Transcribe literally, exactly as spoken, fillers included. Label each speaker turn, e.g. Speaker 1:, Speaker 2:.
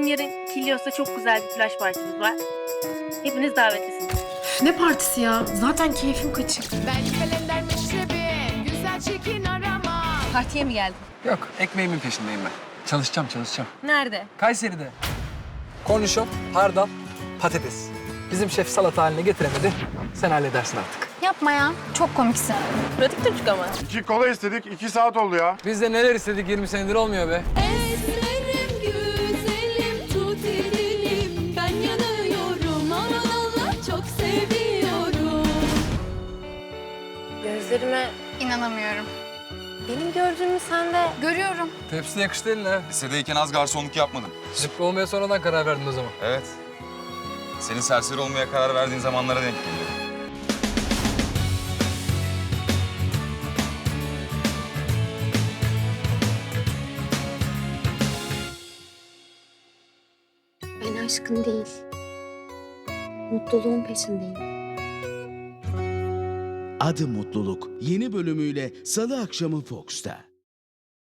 Speaker 1: yarın Kilyos'ta çok güzel bir plaj partimiz var. Hepiniz davetlisiniz.
Speaker 2: Üf, ne partisi ya? Zaten keyfim kaçık.
Speaker 3: Ben kalender meşrebi, güzel çirkin arama.
Speaker 1: Partiye mi geldin?
Speaker 4: Yok, ekmeğimin peşindeyim ben. Çalışacağım, çalışacağım.
Speaker 1: Nerede?
Speaker 4: Kayseri'de. Kornişon, hardal, patates. Bizim şef salata haline getiremedi. Sen halledersin artık.
Speaker 5: Yapma ya. Çok komiksin.
Speaker 1: Pratik çocuk ama.
Speaker 6: İki kola istedik, iki saat oldu ya.
Speaker 4: Biz de neler istedik yirmi senedir olmuyor be.
Speaker 3: Esmerim güzelim, tut elim. Ben yanıyorum, aman Allah çok seviyorum.
Speaker 1: Gözlerime
Speaker 5: İnanamıyorum.
Speaker 1: benim gördüğümü sen de...
Speaker 5: Görüyorum.
Speaker 4: Tepsi yakıştı eline ha.
Speaker 7: Lisedeyken az garsonluk yapmadım.
Speaker 4: Zıpkı olmaya sonradan karar verdin o zaman.
Speaker 7: Evet. Senin serseri olmaya karar verdiğin zamanlara denk geliyor.
Speaker 8: Ben aşkın değil, mutluluğun peşindeyim.
Speaker 9: Adı Mutluluk yeni bölümüyle Salı akşamı Fox'ta.